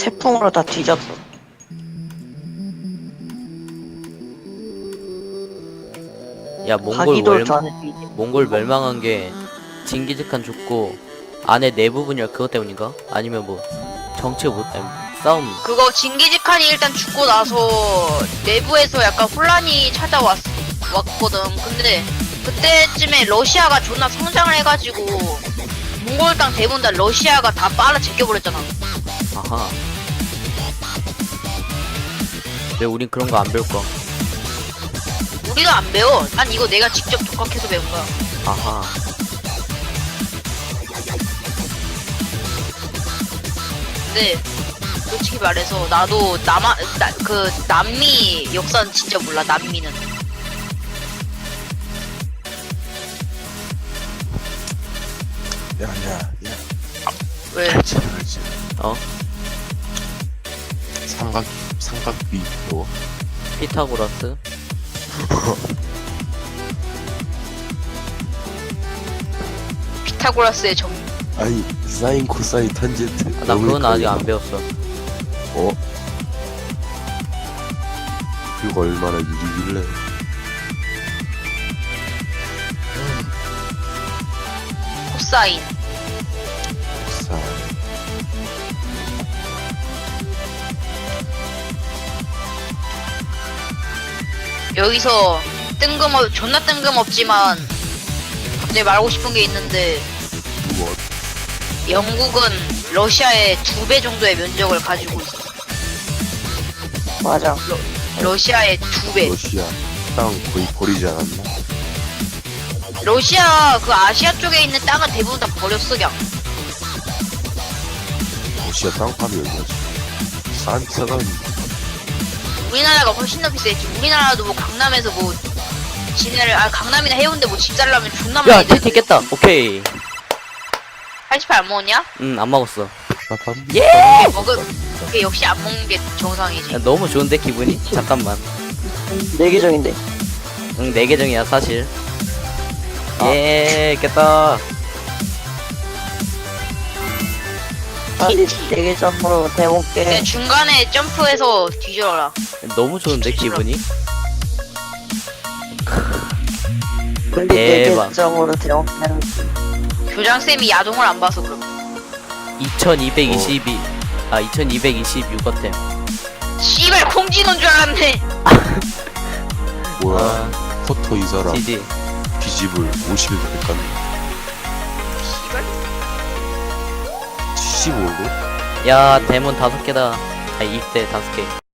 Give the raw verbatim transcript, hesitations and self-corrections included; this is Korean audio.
태풍으로 다 뒤졌어. 야 몽골 가기도 멸, 전에 뒤 몽골 멸망한 게 징기즈칸 죽고 안에 내부분이라 그것 때문인가? 아니면 뭐 정치 못 아니, 싸움. 그거 징기즈칸이 일단 죽고 나서 내부에서 약간 혼란이 찾아왔 왔거든. 근데 그때쯤에 러시아가 존나 성장을 해가지고 몽골 땅 대부분 다 러시아가 다 빨아 제껴버렸잖아. 아하. 왜 우린 그런 거 안 배울까? 우리도 안 배워. 난 이거 내가 직접 독학해서 배운 거야. 아하. 근데 솔직히 말해서 나도 남아 나, 그 남미 역사는 진짜 몰라. 남미는 야, 야, 야. 왜? 알지, 알지. 어? 삼각, 삼각비, 뭐. 피타고라스? 피타고라스의 정 아니, 사인, 코사인, 탄젠트. 아, 나 너무 그건 아직 헷갈려. 안 배웠어. 어? 그거 얼마나 유리길래. 코사인. 사 여기서 뜬금없 존나 뜬금없지만 갑자기 말하고 싶은 게 있는데 뭐, 영국은 러시아의 두 배 정도의 면적을 가지고 있어. 맞아. 러시아의 두 배. 러시아 땅 거의 버리지 않았나? 러시아 그 아시아 쪽에 있는 땅은 대부분 다 버렸어 그냥. 러시아 땅 파면 얼마지? 싼 차가 우리나라가 훨씬 더 비싸겠지. 우리나라도 뭐 강남에서 뭐 지네를 아 강남이나 해운대 뭐 집 살려면 존나 야, 많이 티티 되는데. 깼다. 오케이. 팔십팔 안 먹었냐? 응, 안 먹었어. 예! 먹을 그게 역시 안 먹는 게 정상이지. 야, 너무 좋은데 기분이? 잠깐만. 내 계정인데. 응, 내 계정이야 사실. 아. 예, 깼다. 빨리 내 계정으로 그냥 대볼게. 중간에 점프해서 뒤져라. 너무 좋은데 기분이? 빨리 내 대박. 계정으로 대볼게. 교장쌤이 야동을 안 봐서 그럼. 이천이백이십이. 아, 이천이백이십육 어템. 씨발 콩지노인 줄 알았네. 뭐야? 아, 포토 이 사람 지지. 비집을 오십 일 갔네. 씨발. 칠십오 로? 야, 대문 다섯 개다. 아, 입대 다섯 개.